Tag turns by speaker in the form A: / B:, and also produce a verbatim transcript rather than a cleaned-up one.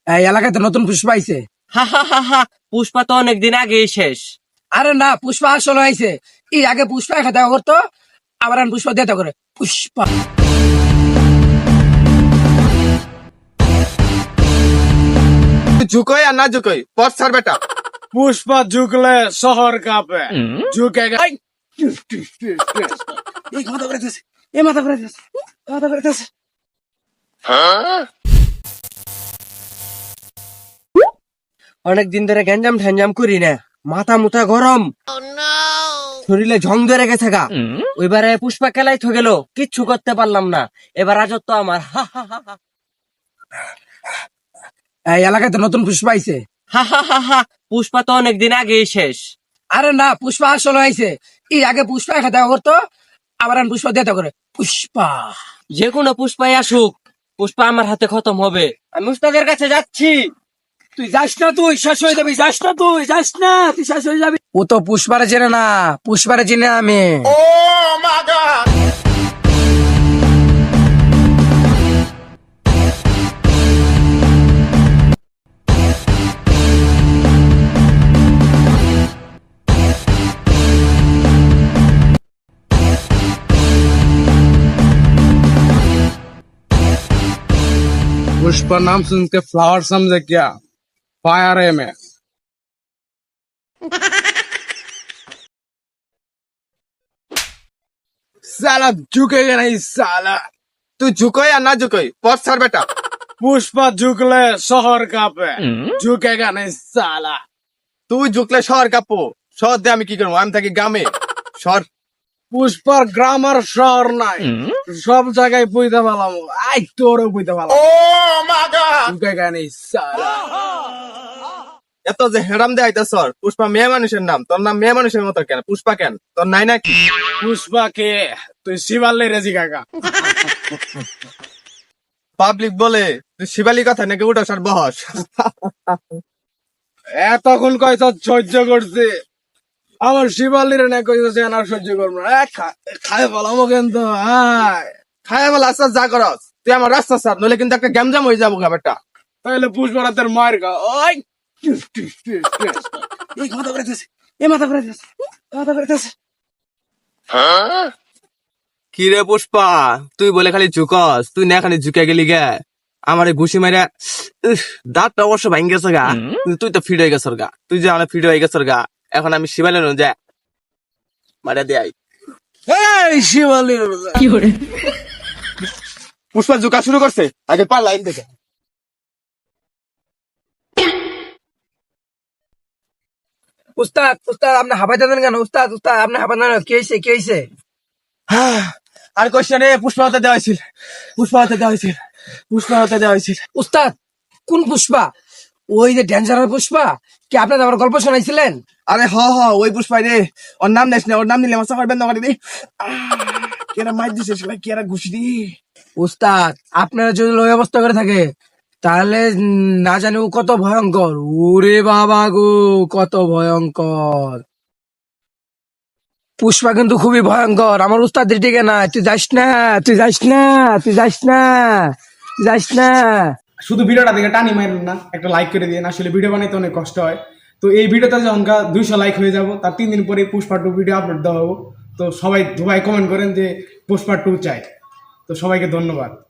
A: এই এলাকাতে নতুন পুষ্পা আইছে।
B: হা হা হা হা পুষ্পা তো অনেকদিন আগেই শেষ।
A: আরে না, পুষ্পা আসলে আইছে। এই আগে পুষ্পা একা দেখা করতো, আবার এখন পুষ্পা দেখা করে পুষ্পা।
C: झुको या ना झुको पथ सर बेटा।
D: पुष्पा झुकले शहर कांपे, झुकेगा।
A: এই মাথা করে দিয়েছে, এই মাথা করে দিয়েছে, মাথা করে দিয়েছে।
B: অনেকদিন ধরে গ্যাঞ্জাম ঠ্যাঞ্জাম করি না, মাথা মুথা গরম, শরীরে ঝং ধরে গেছে গা। ওইবারে পুষ্পা খেলাই থ গেল, কিচ্ছু করতে পারলাম না। এবার রাজত্ব আমার। হা হা হা হা
A: এই এলাকাতে নতুন পুষ্পা আইছে।
B: হা হা হা হা পুষ্পা তো অনেকদিন আগেই শেষ।
A: আরে না, পুষ্পা আসলে আইছে। এই আগে পুষ্পা একা দেখা করতো, আবার এখন পুষ্পা দেখা করে পুষ্পা।
B: যে কোনো পুষ্পাই আসুক, পুষ্পা আমার হাতে খতম হবে। আমি উস্তাদের কাছে যাচ্ছি।
A: তুই যাস না, তুই শেষ হয়ে যাবি। যাস না, তুই যাস না, তুই শেষ হয়ে যাবি। ও তো পুষ্পারে চেনে না, পুষ্পারে চিনে আমি।
D: पुष्पा नाम सुन के फ्लावर समझे क्या? फायर है मैं। साला झुकेगा नहीं साला।
C: तू झुको या ना झुको पथ सर बेटा।
D: पुष्पा झुकले शहर कांपे, झुकेगा नहीं साला।
C: তুই ঝুকলে শহর কাঁপো। শহর দিয়ে আমি কি করবো? আমি থাকি গ্রামে। শহর
D: পুষ্পার গ্রামার শহর নাই, সব জায়গায় পুইতে পারলাম। আই তোরও পুইতে পারলাম। ঝুকেগা নেই সালা।
C: এত যে হেরাম দেয় সর। পুষ্পা মেয়ে মানুষের নাম, তোর নাম মেয়ে মানুষের মতো কেন? পুষ্পা কেন? তোর নাই নাকি?
D: পুষ্পা কে? তুই শিবাল্লে রেজি কাকা।
C: পাবলিক বলে তুই শিবালি কথা নাকি উঠো সার বহস।
D: এতক্ষণ কয়তো সহ্য করছে, আমার শিবাল্লির না কইতেছে না সহ্য করবো না। এ খা- খায় বলামো কিন্তু। আয়
C: খায় বলে আস্তে যা করস তুই আমার রাস্তা সার, নইলে কিন্তু একটা গ্যামজাম হয়ে যাবো ব্যাপারটা।
D: তাহলে পুষ্পা রাতের মায়ের গা। ওই
A: এই মাথা করে দিয়েছে, এই মাথা করে দিয়েছে, মাথা করে দিয়েছে।
C: কি রে পুষ্পা, তুই বলে খালি ঝুকস, তুই না খালি ঝুকে গেলি গে। আমার ঘুষি মারা দাঁতটা অবশ্য ভাঙ গেছে গা, কিন্তু তুই তো ফিট হয়ে গেছর গা। তুই যে আমার ফিট হয়ে গেছর গা, এখন আমি শিবালে যা মারা দেয়।
D: এই শিবাল্লির
C: পুষ্পা ঝুকা শুরু করছে, আগে পার লাইন থেকে।
A: উস্তাদ, উস্তাদ আপনি হাবাইতে দেন কেন? উস্তাদ, উস্তাদ আপনি হাবাইতে দেন, কি হয়েছে, কি হয়েছে?
C: আর কোশ্চেনে পুষ্পা হতে দেওয়া হয়েছিল, পুষ্পা হতে দেওয়া হয়েছিল, পুষ্পা হতে দেওয়া হয়েছিল।
A: উস্তাদ কোন পুষ্পা? ওই যে ড্যান্সার পুষ্পা? কি আপনাদের আমার গল্প শোনাইছিলেন?
C: আরে হ হ ওই পুষ্পাই রে। ওর নাম নেস না, ওর নাম নিলে আমার সাফার বেন্দা করে দি। কেরা মাইর দিছে সেটা, কেরা ঘুষি দি।
A: উস্তাদ আপনারা যদি ওই অবস্থা করে থাকে, তাহলে উম, না জানি ও কত ভয়ঙ্কর। ওরে বাবা গো, কত ভয়ঙ্কর। পুষ্পা কিন্তু খুবই ভয়ঙ্কর। আমার উস্তাদ দিকে না, তুই যাস না, তুই যাস না, তুই যাস না, তুই যাস না।
D: শুধু ভিডিওটা দেখে টানি মারেন না, একটা লাইক করে দিন। আসলে ভিডিও বানাইতে অনেক কষ্ট হয়। তো এই ভিডিওতে যখন দুইশো লাইক হয়ে যাব, তার তিন দিন পরে পুষ্পা টু ভিডিও আপলোড দেওয়া হবো। তো সবাই দুবাই কমেন্ট করেন যে পুষ্পা টু চাই। তো সবাইকে ধন্যবাদ।